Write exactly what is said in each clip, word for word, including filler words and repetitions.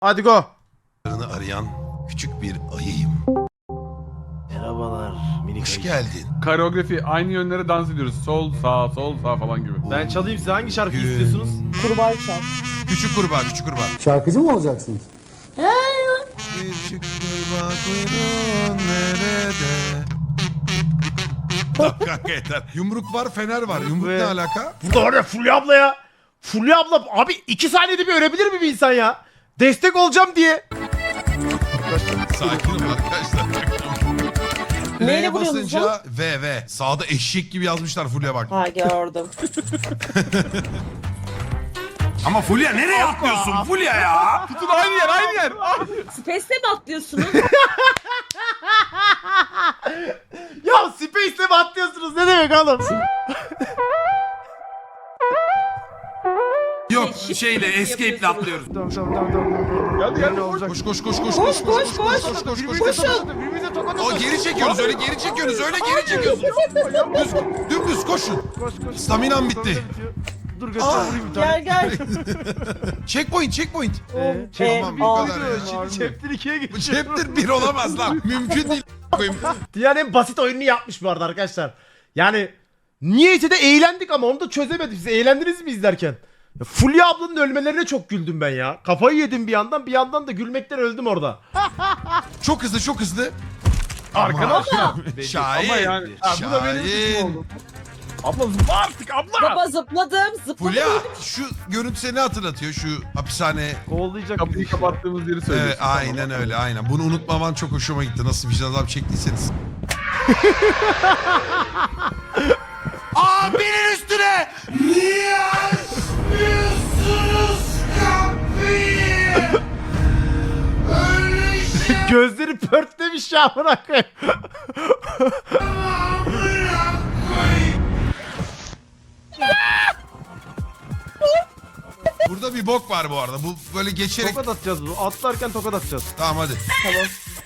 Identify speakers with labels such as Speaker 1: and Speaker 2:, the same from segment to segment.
Speaker 1: Hadi go.
Speaker 2: Arayan küçük bir ayıyım.
Speaker 1: Merhabalar minik
Speaker 2: Hoş
Speaker 1: ayı.
Speaker 2: geldin.
Speaker 3: Koreografi aynı yönlere dans ediyoruz. Sol sağ sol sağ falan gibi.
Speaker 1: Ben çalayım, size hangi şarkıyı
Speaker 2: Gün.
Speaker 1: istiyorsunuz?
Speaker 4: Kurbağa çal.
Speaker 2: Küçük kurbağa, küçük kurbağa.
Speaker 5: Şarkıcı mı olacaksınız?
Speaker 2: Küçük kurbağa kuyruğun nerede? Tamam kanka yeter. Yumruk var, fener var. Yumruk
Speaker 1: Ve-
Speaker 2: ne alaka?
Speaker 1: Burada var ya Fulya abla ya. Fulya abla abi iki saniyede bir ölebilir mi bir insan ya? Destek olacağım diye.
Speaker 2: Sakin ol arkadaşlar.
Speaker 4: Neyle
Speaker 2: L'ye
Speaker 4: vuruyorsunuz
Speaker 2: basınca V V. Sağda eşek gibi yazmışlar Fulya bak.
Speaker 4: Ha gördüm.
Speaker 2: Ama Fulya nereye atlıyorsun Fulya ya?
Speaker 3: Tutun aynı yer aynı yer.
Speaker 4: Space'te mi atlıyorsunuz?
Speaker 1: Ya Space'le mi atlıyorsunuz ne demek oğlum?
Speaker 2: Yok
Speaker 4: Shift
Speaker 2: şeyle
Speaker 4: yapıyorsunuz.
Speaker 2: escape'le atlıyoruz.
Speaker 1: Tamam tamam tamam tamam.
Speaker 3: Geldi geldi.
Speaker 2: Koş koş koş koş
Speaker 4: Koş,
Speaker 2: koş
Speaker 4: koş, koş.
Speaker 2: koş koş koş.
Speaker 4: Koşun.
Speaker 1: Birbirimize tokat
Speaker 2: O geri çekiyoruz öyle geri çekiyoruz öyle geri çekiyoruz. Düz, dümdüz koşun.
Speaker 1: Koş koş.
Speaker 2: Staminam bitti.
Speaker 1: Dur göster vurayım bir tane.
Speaker 4: Gel gel.
Speaker 2: Checkpoint checkpoint.
Speaker 1: Ee,
Speaker 4: Ee,
Speaker 2: Tamam, bu
Speaker 4: aa.
Speaker 2: kadar.
Speaker 1: Şimdi chapter ikiye
Speaker 2: Bu
Speaker 1: geçiyorum.
Speaker 2: chapter bir olamaz lan. Mümkün değil. Koyayım.
Speaker 1: Dünyanın en basit oyununu yapmış bu arada arkadaşlar. Yani niyeyse de eğlendik ama onu da çözemedik. Siz eğlendiniz mi izlerken? Ya Fulya ablanın ölmelerine çok güldüm ben ya. Kafayı yedim bir yandan bir yandan da gülmekten öldüm orada.
Speaker 2: Çok hızlı çok hızlı.
Speaker 3: Arkadaşlar.
Speaker 2: Şahin.
Speaker 3: Ama yani. Ha, bu da benim suçum
Speaker 2: Şahin.
Speaker 3: oldu. Abla zıpla artık abla.
Speaker 4: Baba zıpladım. Zıpladım.
Speaker 2: Fulya şu görüntü seni hatırlatıyor şu hapishane.
Speaker 1: Kovalayacak
Speaker 3: Kapıyı
Speaker 1: bizi işte.
Speaker 3: kapattığımız yeri
Speaker 2: Evet,
Speaker 3: söylüyorsun.
Speaker 2: aynen öyle aynen. Bunu unutmaman çok hoşuma gitti. Nasıl vicdan azabı çektiyseniz. Aa benim üstüne! Niye açmıyorsunuz kapıyı? Öyle şey
Speaker 1: Gözleri pörtlemiş ya amına koyayım.
Speaker 2: Burada bir bok var bu arada. Bu böyle geçerek...
Speaker 1: Tokat atacağız bu. Atlarken tokat atacağız.
Speaker 2: Tamam hadi.
Speaker 4: Tamam.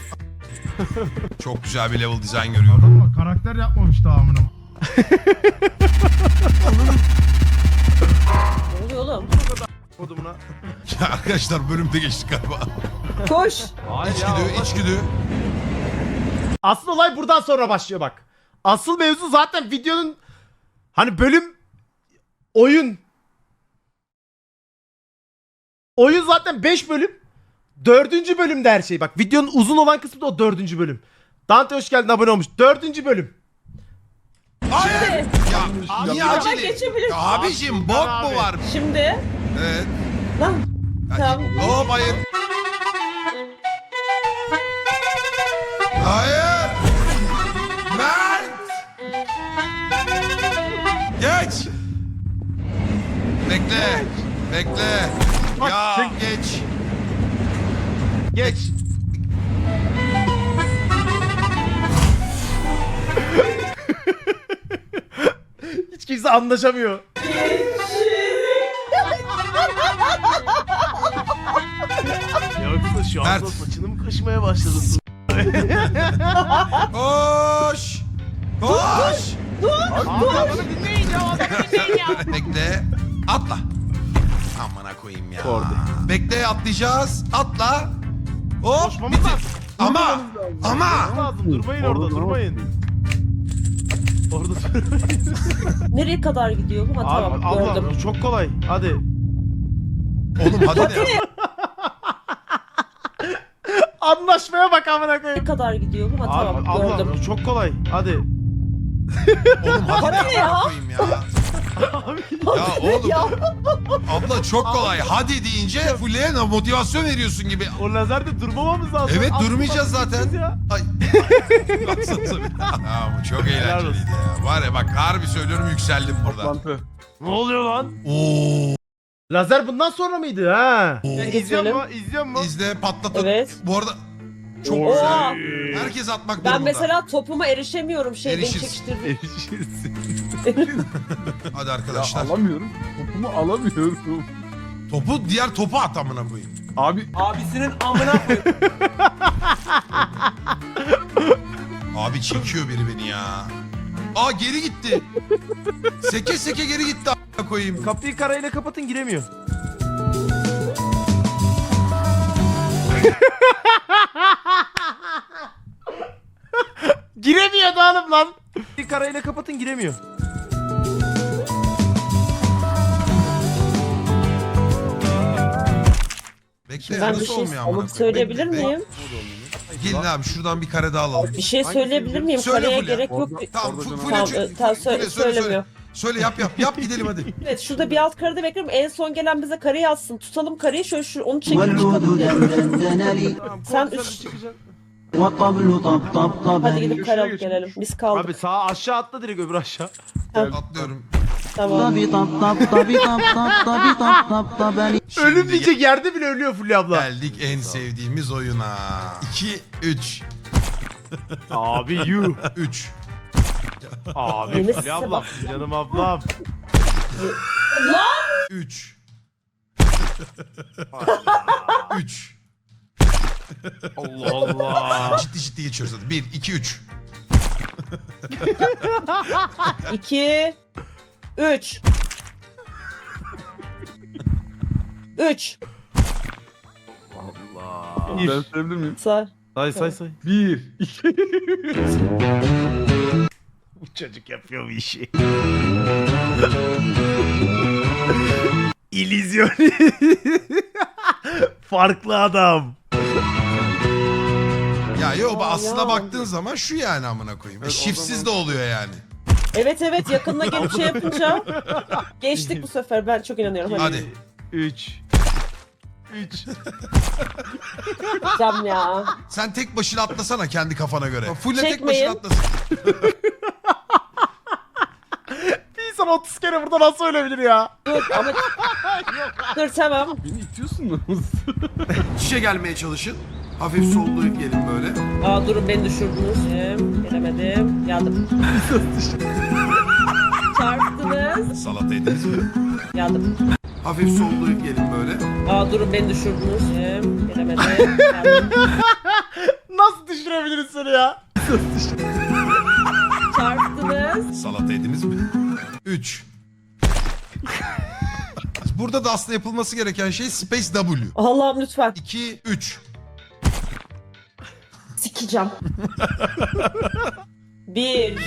Speaker 2: Çok güzel bir level design görüyorum.
Speaker 6: Ama karakter yapmamış daha amına.
Speaker 4: Ne oluyor oğlum?
Speaker 1: Kodumuna.
Speaker 2: Ya arkadaşlar bölümde geçtik galiba.
Speaker 4: Koş.
Speaker 1: Hayır
Speaker 2: İçgüdü, içgüdü.
Speaker 1: Asıl olay buradan sonra başlıyor bak. Asıl mevzu zaten videonun hani bölüm oyun. Oyun zaten beş bölüm. dördüncü bölümde her şey. Bak videonun uzun olan kısmı da o dördüncü bölüm. Dante hoş geldin, abone olmuş. dördüncü bölüm.
Speaker 2: Hayır. Ya niye
Speaker 4: Ama
Speaker 2: acele?
Speaker 4: geçebilirsin.
Speaker 2: Ya abicim bok mu var?
Speaker 4: Şimdi.
Speaker 2: Evet.
Speaker 4: Lan. Tamam.
Speaker 2: Hop hayır. Hayır. Mert. Geç. Bekle. Bekle. Ya geç.
Speaker 1: Geç. Hiç kimse anlaşamıyor. Yoksa şu anda
Speaker 2: Mert.
Speaker 1: saçını mı kaşımaya başladın?
Speaker 2: Koş. Koş.
Speaker 1: Adamı dinleyin ya, adamı dinleyin ya.
Speaker 2: Bekle. Atla. Amına koyayım ya.
Speaker 1: Kordi.
Speaker 2: Bekle atlayacağız. Atla. Hop.
Speaker 1: Koşmamız
Speaker 2: bitir.
Speaker 1: lazım.
Speaker 2: Ama. Ama.
Speaker 1: Lazım. Durmayın orada, durmayın. Orada durmayın.
Speaker 4: Nereye kadar gidiyor bu? Ha
Speaker 1: Abi,
Speaker 4: tamam
Speaker 1: abla
Speaker 4: gördüm.
Speaker 1: bu çok kolay. Hadi.
Speaker 2: Oğlum hadi ne?
Speaker 1: Anlaşmaya bak amına koyayım.
Speaker 4: Ne kadar gidiyor bu? Ha
Speaker 1: Abi,
Speaker 4: tamam
Speaker 1: abla
Speaker 4: gördüm.
Speaker 1: bu çok kolay. Hadi.
Speaker 2: Oğlum hadi
Speaker 4: Hadi
Speaker 2: ne
Speaker 4: ya.
Speaker 2: amına koyayım ya. Ya oğlum.
Speaker 4: Ya.
Speaker 2: Abla çok kolay. Hadi deyince Fulya'ya motivasyon veriyorsun gibi.
Speaker 1: O lazerde durmamamız lazım.
Speaker 2: Evet
Speaker 1: Aslında
Speaker 2: durmayacağız zaten.
Speaker 1: gideceğiz ya.
Speaker 2: Ay. Baksanıza bir. Ya bu çok eğlenceliydi ya. Var ya bak harbi söylüyorum yükseldim burada.
Speaker 3: Toplantı.
Speaker 1: Ne oluyor lan?
Speaker 2: Oo.
Speaker 1: Lazer bundan sonra mıydı ha?
Speaker 4: İzliyor mu?
Speaker 1: İzliyor mu?
Speaker 2: İzle patlatın.
Speaker 4: Evet.
Speaker 2: Bu arada çok
Speaker 3: Oo.
Speaker 2: güzel. Herkes atmak
Speaker 4: Ben
Speaker 2: durumunda.
Speaker 4: mesela topuma erişemiyorum şeyden
Speaker 2: Erişiriz.
Speaker 4: çekiştirdim.
Speaker 2: Hadi
Speaker 3: Ya
Speaker 2: arkadaşlar.
Speaker 3: alamıyorum. Topumu alamıyorum.
Speaker 2: Topu diğer topu at amına koyayım.
Speaker 3: Abi
Speaker 7: Abisinin amına koy.
Speaker 2: Abi çekiyor biri beni ya. Aa geri gitti. Seke seke geri gitti a**a koyayım.
Speaker 1: Kapıyı karayla kapatın, giremiyor. Giremiyor da hanım lan. Bir karayla kapatın giremiyor.
Speaker 2: Bekle
Speaker 4: Ben bir
Speaker 2: nasıl
Speaker 4: şey
Speaker 2: olmuyor amına koyayım?
Speaker 4: söyleyebilir
Speaker 2: Bekle,
Speaker 4: miyim?
Speaker 2: bekle. Gelin abi şuradan bir kare daha alalım.
Speaker 4: Bir şey söyleyebilir miyim?
Speaker 2: Söyle
Speaker 4: Kareye
Speaker 2: Fulya.
Speaker 4: gerek yok.
Speaker 3: Orada-
Speaker 2: Tamam
Speaker 3: Orada
Speaker 2: fu-
Speaker 3: canım-
Speaker 2: Fulya
Speaker 4: Tamam,
Speaker 2: çö-
Speaker 4: e, tamam,
Speaker 2: Fulya,
Speaker 4: söyle-
Speaker 2: söyle,
Speaker 4: söylemiyor.
Speaker 2: Söyle yap yap yap gidelim hadi.
Speaker 4: Evet şurada bir alt karede bekliyorum. En son gelen bize kareyi atsın. Tutalım kareyi şöyle şu onu çekip çıkalım ya. Sen üç... Hadi gidip kare alıp gelelim. Biz kaldık.
Speaker 1: Abi sağa aşağı atla direkt öbür aşağı.
Speaker 2: Atlıyorum.
Speaker 4: Tamam.
Speaker 2: Şimdi
Speaker 1: Ölüm diyecek yerde bile ölüyor Fulya abla.
Speaker 2: geldik en sevdiğimiz oyuna. iki üç
Speaker 1: Abi you.
Speaker 2: üç
Speaker 1: Abi
Speaker 4: Yeni
Speaker 1: Fulya
Speaker 4: size
Speaker 1: ablam.
Speaker 4: bak.
Speaker 1: Canım ablam.
Speaker 2: üç üç
Speaker 1: Allah Allah.
Speaker 2: Ciddi ciddi geçiyoruz hadi. bir iki üç
Speaker 4: İki. Üç. Üç.
Speaker 1: Allah.
Speaker 3: Ben söyleyebilir miyim?
Speaker 4: Say.
Speaker 1: Say say say.
Speaker 3: Bir, iki,
Speaker 1: Bu çocuk yapıyor bu işi. İllüzyon. Farklı adam.
Speaker 2: Ya yo
Speaker 4: Aa,
Speaker 2: aslına
Speaker 4: ya.
Speaker 2: baktığın zaman şu yani amına koyayım.
Speaker 3: Evet, o
Speaker 2: Şifsiz
Speaker 3: zaman-
Speaker 2: de oluyor yani.
Speaker 4: Evet evet yakınına gelip şey yapınca geçtik bu sefer. Ben çok inanıyorum. Hadi.
Speaker 2: Hadi.
Speaker 1: üç. üç.
Speaker 4: Cam ya.
Speaker 2: Sen tek başına atlasana kendi kafana göre. Fulle tek
Speaker 4: Çekmeyin.
Speaker 2: başına atlasın.
Speaker 1: Bir insan otuz kere burada nasıl ölebilir ya?
Speaker 4: Dur ama... Dur tamam.
Speaker 3: beni itiyorsunuz.
Speaker 2: Şişe gelmeye çalışın. Hafif sollayıp gelin böyle.
Speaker 4: Aa durun beni düşürdünüz. Gelemedim. Yandım. Çarptınız.
Speaker 2: Salata yediniz mi?
Speaker 4: Yandım.
Speaker 2: Hafif sollayıp gelin böyle.
Speaker 4: Aa durun beni düşürdünüz. Gelemedim. Yandım.
Speaker 1: Nasıl düşürebiliriz seni ya?
Speaker 4: Çarptınız.
Speaker 2: Salata yediniz mi? üç Burada da aslında yapılması gereken şey Space W.
Speaker 4: Allah'ım lütfen.
Speaker 2: iki üç
Speaker 4: Sikeceğim. Bir.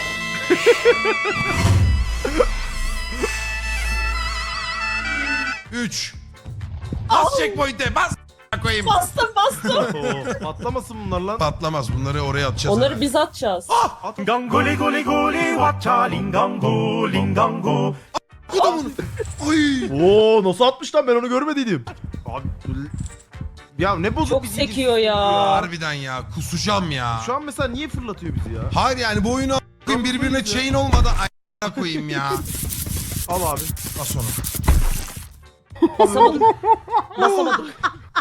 Speaker 2: üç Bas checkpoint'e bas koyayım.
Speaker 4: Bastım bastım.
Speaker 1: Oo, patlamasın bunlar lan.
Speaker 2: Patlamaz bunları oraya atacağız.
Speaker 4: Onları
Speaker 2: hemen.
Speaker 4: biz atacağız.
Speaker 5: Gangoli goli goli wacha lingango lingango.
Speaker 2: Adamın. Ay.
Speaker 1: Oo nasıl atmış lan ben onu görmediydim. Abi ya ne bozuk
Speaker 4: Çok
Speaker 1: bir
Speaker 4: sekiyor ya.
Speaker 2: Harbiden ya kusacağım ya.
Speaker 1: Şu an mesela niye fırlatıyor bizi ya?
Speaker 2: Hayır yani bu oyunu a**ayım birbirine chain olmadı a**a koyayım ya.
Speaker 1: Al abi.
Speaker 2: Bas onu.
Speaker 4: Basamadık. Basamadık.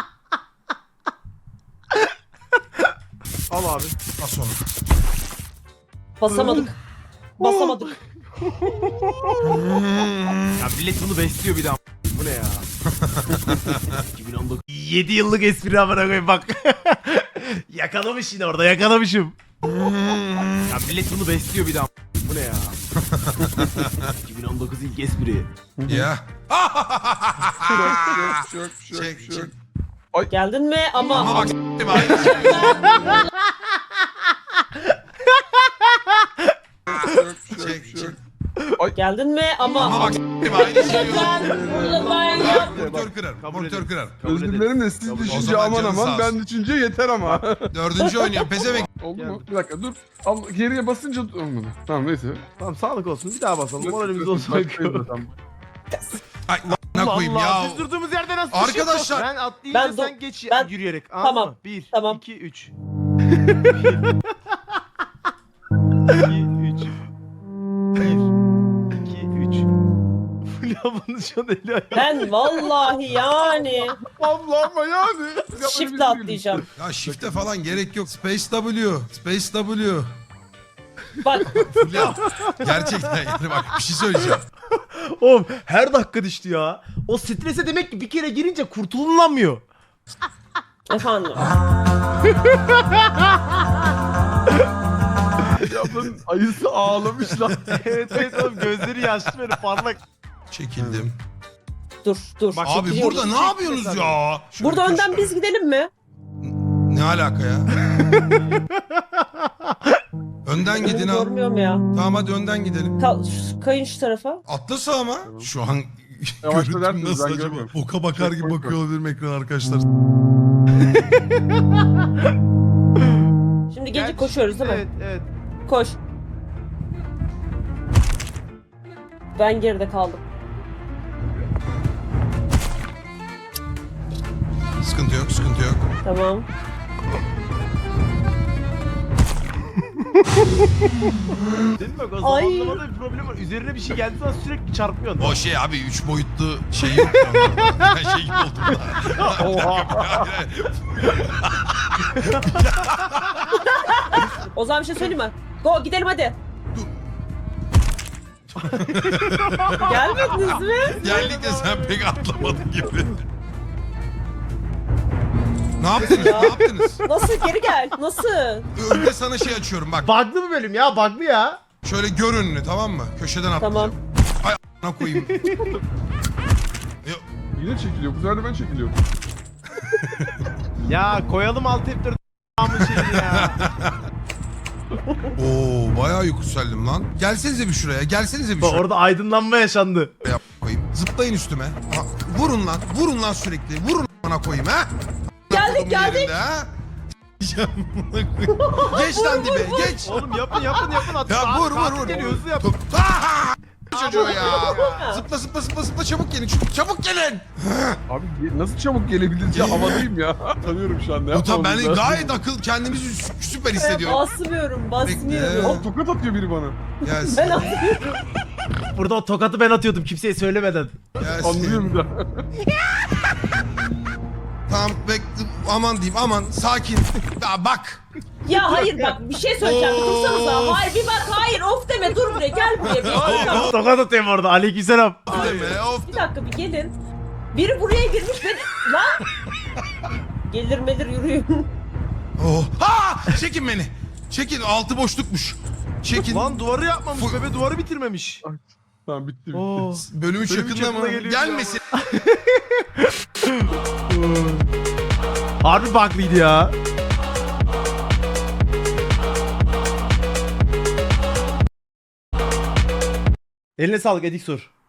Speaker 1: Al abi.
Speaker 2: Bas onu.
Speaker 4: Basamadık. Basamadık.
Speaker 1: Ya millet bunu besliyor bir daha. Bu ne ya? iki bin on dokuz. yedi yıllık espri amına koyayım bak. Yakalamış yine orada yakalamışım. Ya millet bunu besliyor bir daha. Bu ne ya? iki bin on dokuz ilk espri.
Speaker 2: Ya.
Speaker 3: Şok, şok, şok,
Speaker 2: Çek
Speaker 3: şok.
Speaker 2: çek.
Speaker 4: Geldin mi? Ama,
Speaker 2: Ama bak s**tim aynı şey.
Speaker 3: Şok, şok,
Speaker 2: Çek
Speaker 3: şok.
Speaker 2: çek.
Speaker 4: geldin mi? Ama,
Speaker 2: Ama bak s**tim aynı şey.
Speaker 4: Ben bunu ben yap.
Speaker 2: Monitör kırar. Monitör kırar.
Speaker 1: Kabul
Speaker 3: Özür
Speaker 1: ederiz.
Speaker 3: dilerim de siz
Speaker 1: Kabul-
Speaker 2: O
Speaker 3: düşünce
Speaker 2: zaman
Speaker 3: aman
Speaker 2: canın sağ
Speaker 3: aman
Speaker 2: olsun.
Speaker 3: ben düşünce yeter ama.
Speaker 2: Dördüncü oynuyor. Pezevenk.
Speaker 3: Oldu mu?
Speaker 1: Geldi.
Speaker 3: Bir dakika dur. Al, geriye basınca olmadı. Tamam neyse.
Speaker 1: Tamam sağlık olsun bir daha basalım. Moralimiz olsun.
Speaker 2: Ay ne koyayım ya.
Speaker 1: Biz durduğumuz yerde nasıl
Speaker 2: Arkadaşlar-
Speaker 1: düşüyor? Ben atlayınca
Speaker 4: Ben do-
Speaker 1: sen geç
Speaker 4: ben-
Speaker 1: yürüyerek.
Speaker 4: Tamam,
Speaker 1: Tamam. Bir,
Speaker 4: tamam.
Speaker 1: iki, üç. iki, üç. Bir, iki, üç. Fulya bunun şu an eli ayağı.
Speaker 4: Ben vallahi yani
Speaker 3: Allah ama yani.
Speaker 4: shift'le atlayacağım.
Speaker 2: Ya shift'e falan gerek yok. Space W. Space W.
Speaker 4: Bak
Speaker 2: Ya gerçekten yani bak bir şey söyleyeceğim.
Speaker 1: Oğlum her dakika düştü ya. O strese demek ki bir kere girince kurtululamıyor.
Speaker 4: efendim.
Speaker 3: Yapın ayısı ağlamış lan.
Speaker 1: evet evet oğlum gözleri yaşlı böyle parlak.
Speaker 2: Çekildim.
Speaker 4: Dur dur.
Speaker 1: Bak,
Speaker 2: Abi
Speaker 4: Çekiliyoruz.
Speaker 2: burada ne yapıyorsunuz ya? Şöyle
Speaker 4: Burada
Speaker 2: köşe-
Speaker 4: önden biz gidelim mi?
Speaker 2: Ne alaka ya? Önden gidin
Speaker 4: Önümü
Speaker 2: al.
Speaker 4: görmüyorum ya.
Speaker 2: Tamam hadi önden gidelim.
Speaker 4: Ka- şu- kayın şu tarafa.
Speaker 2: Atla ama. Şu an
Speaker 3: Yavaş
Speaker 2: görüntüm
Speaker 3: dönersiniz,
Speaker 2: nasıl
Speaker 3: ben
Speaker 2: acaba?
Speaker 3: görmüyorum.
Speaker 2: Oka bakar gibi bakıyor olabilirim ekran arkadaşlar.
Speaker 4: Şimdi gece
Speaker 1: Gerçi-
Speaker 4: koşuyoruz değil mi?
Speaker 1: Evet evet.
Speaker 4: Koş. Ben geride kaldım.
Speaker 2: Sıkıntı yok, sıkıntı yok.
Speaker 4: Tamam.
Speaker 1: Değil mi bak o
Speaker 4: Ay.
Speaker 1: zamanlamada bir problem var. Üzerine bir şey geldiği zaman sürekli çarpıyorsun.
Speaker 2: O şey abi üç boyutlu şey yok ya. onlarda. Ben şey gibi oldum da.
Speaker 1: Oha.
Speaker 4: O zaman bir şey söyleyeyim mi? Go gidelim hadi. Gelmediniz mi?
Speaker 2: Geldik de sen pek atlamadın gibi. Ne yaptınız?
Speaker 4: Ya.
Speaker 2: Ne yaptınız?
Speaker 4: Nasıl geri gel? Nasıl?
Speaker 2: Önde sana şey açıyorum bak.
Speaker 1: Bug'lı bir bölüm ya bug'lı ya.
Speaker 2: Şöyle gör önünü tamam mı? Köşeden atlayacağım.
Speaker 4: Tamam.
Speaker 2: Ay a**ına koyayım. Yo,
Speaker 3: Yine çekiliyor. Bu sefer de ben çekiliyorum.
Speaker 1: Ya koyalım alt F dört a**ın şeyini ya.
Speaker 2: Oo bayağı yükseldim lan. Gelsenize bir şuraya. Gelsenize bir
Speaker 1: Bak
Speaker 2: şuraya.
Speaker 1: orada aydınlanma yaşandı.
Speaker 2: Yap koyayım. Zıplayın üstüme. Ha, vurun lan. Vurun lan sürekli. Vurun bana koyayım ha.
Speaker 4: Geldik,
Speaker 2: Kodumun
Speaker 4: geldik.
Speaker 2: yerinde, ha? Geç lan dibe. Geç.
Speaker 1: Oğlum yapın yapın yapın. At,
Speaker 2: Ya vur vur
Speaker 1: katil
Speaker 2: vur.
Speaker 1: geliyor,
Speaker 2: vur.
Speaker 1: hızlı yap.
Speaker 2: Tut. Aha! Çocuğu ya. Zıpla zıpla zıpla zıpla çabuk gelin. Çabuk, çabuk gelin.
Speaker 3: Abi ge- nasıl çabuk gelebiliriz ya? Havadayım ya. Tanıyorum şu anda.
Speaker 2: Utan ben
Speaker 3: Yapmamız lazım.
Speaker 2: gayet akıl kendimizi sü- süper hissediyorum.
Speaker 4: Basmıyorum, basmıyorum.
Speaker 2: Bekle.
Speaker 3: Aa, tokat atıyor biri bana.
Speaker 2: Gelsin.
Speaker 4: Ben atmıyorum.
Speaker 1: Burada o tokatı ben atıyordum kimseye söylemeden.
Speaker 3: Anlıyor
Speaker 2: Gelsin.
Speaker 3: bir daha.
Speaker 2: Tamam bekle. Aman diyeyim aman. Sakin. Ya bak.
Speaker 4: Ya hayır bak bir şey söyleyeceğim.
Speaker 2: Of.
Speaker 4: Dursanıza. Hayır bir bak hayır of deme dur buraya gel buraya. Bir, dakika.
Speaker 1: Tokat atıyorum orada. Aleykümselam.
Speaker 2: Deme, of.
Speaker 4: bir dakika bir gelin. Biri buraya girmiş beni. Lan. Gelir melir yürüyün.
Speaker 2: Oh. Ha! Çekin beni. Çekin. Altı boşlukmuş. Çekin.
Speaker 1: Lan duvarı yapmamış
Speaker 2: Fu-
Speaker 1: bebe duvarı bitirmemiş.
Speaker 3: Tamam bitti bitti.
Speaker 1: Oo.
Speaker 2: Bölüm üç
Speaker 1: Bölüm üç
Speaker 2: yakında mı?
Speaker 1: yakında geliyor
Speaker 2: Gelmesin.
Speaker 1: Harbi bug'lıydı ya. Eline sağlık Edik Sur.